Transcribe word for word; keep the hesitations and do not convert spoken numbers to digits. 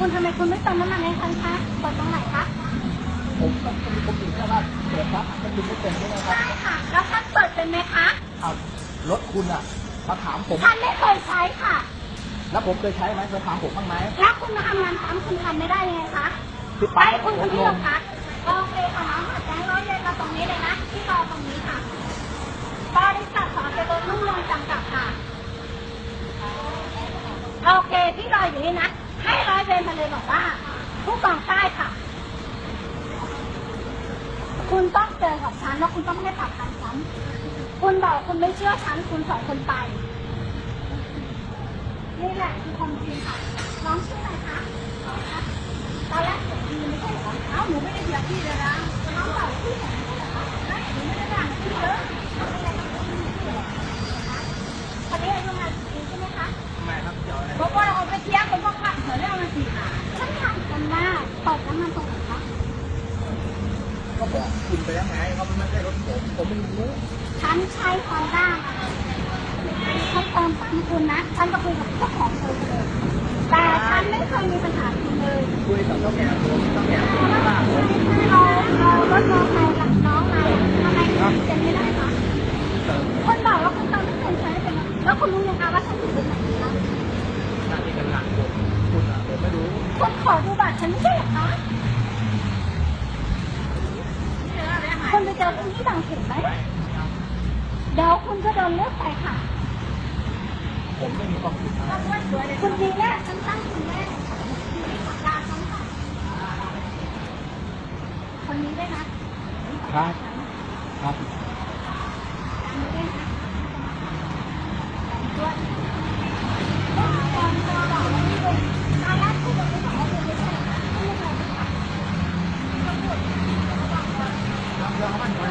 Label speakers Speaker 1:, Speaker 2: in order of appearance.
Speaker 1: คุณทำไมคุณไม่เติมน้ำมันให้ฉันคะเปิดตรงไหนคะ
Speaker 2: ผมต้องมีคนอื่นแค่ว่าเปิดครับมันคุณไม่เป็นใช่ไหมครับ
Speaker 1: ใช่ค่ะแล้วฉันเปิดเป็นไหมคะ
Speaker 2: เอารถคุณอ่ะมาถามผม
Speaker 1: ฉันไม่เคยใช้ค่ะ
Speaker 2: แล้วผมเคยใช้ไหมเคยถามผมบ้างไหม
Speaker 1: แล้วคุณมาทำงานซ้ำคุณทำไม่ได้ยังไงคะไปคุณคนที่หรอคะโอเคค่ะน้องค่ะแจ้งร้อยเรียนมาตรงนี้เลยนะที่รอตรงนี้ค่ะบริษัทสอนเจริญรุ่งเรืองจำกัดค่ะโอเคที่รออยู่นี่นะให้ร้อยเวรมาเลยบอกว่าผู้กองใต้ค่ะคุณต้องเจอกับฉันแล้วคุณต้องไม่ให้ปากคำฉันคุณบอกคุณไม่เชื่อฉันคุณสองคนไปนี่แหละคือความจริงค่ะน้องชื่ออะไรคะตอนแรกเสียงดีไม่ใช่เหรอเอ้าหนูไม่ได้เสียพี่เลยนะน้องบอกพี่ไหนไม่หนูไม่ได้ด่าพี่เยอะคนนี้อายุงานปีใช่ไหมคะ
Speaker 2: ไม่ครับเดี๋ยวอะไร
Speaker 1: บอกว่าเอาไปเที่ยวคนพวกขัดเถอะได้เอามาสี่ค่ะฉันถามกันว่าเปิดน้ำมันตรงไหนคะ
Speaker 2: ก็บอกคุณไปยังไงเขาไม่ใช่รถผมผมไม่รู้
Speaker 1: ฉันใช้ฮอนด้าฉันเติมตังคุณนะฉันก็คุยกับเจ้าของเธอเลยแต่ฉันไม่เคยมีปัญหาคุณเลย
Speaker 2: คุยกับเจ้าแก่ผมเจ้าแก่ผมว่า
Speaker 1: เราเรารถมอเตอร์ไซค์หลังน้องมาทำไมคุณเซ็นไม่ได้คะคนบอกว่าคุณเติมไม่เคยใช้เป็นแล้วคุณรู้ยังคะว่าฉันอยู่ที่ไหนคะ
Speaker 2: หน้าที่การงานผมคุณอ่ะผมไม่รู้
Speaker 1: คุณขอดูบัตรฉันไม่ใช่เหรอคะคุณไปเจอคุณที่บางเขนไหมเดี๋ยวคุณก็โดนเลือกไปค่ะ
Speaker 2: ผมไม่มีความผิด
Speaker 1: คุณดีแน่ฉันตั้งคุณแน่ดาฉันค่ะคนนี้ได้นะครับ
Speaker 2: ครับ
Speaker 1: คนนี้ได้นะด้วยตอนตอนบอกว่านี่เป็นตอนแรกคุณบอกว่าคุณไม่ใช่ไม่ใช่ค่ะไม่ใช่ค่ะ
Speaker 2: ทำเรื่องเขามัน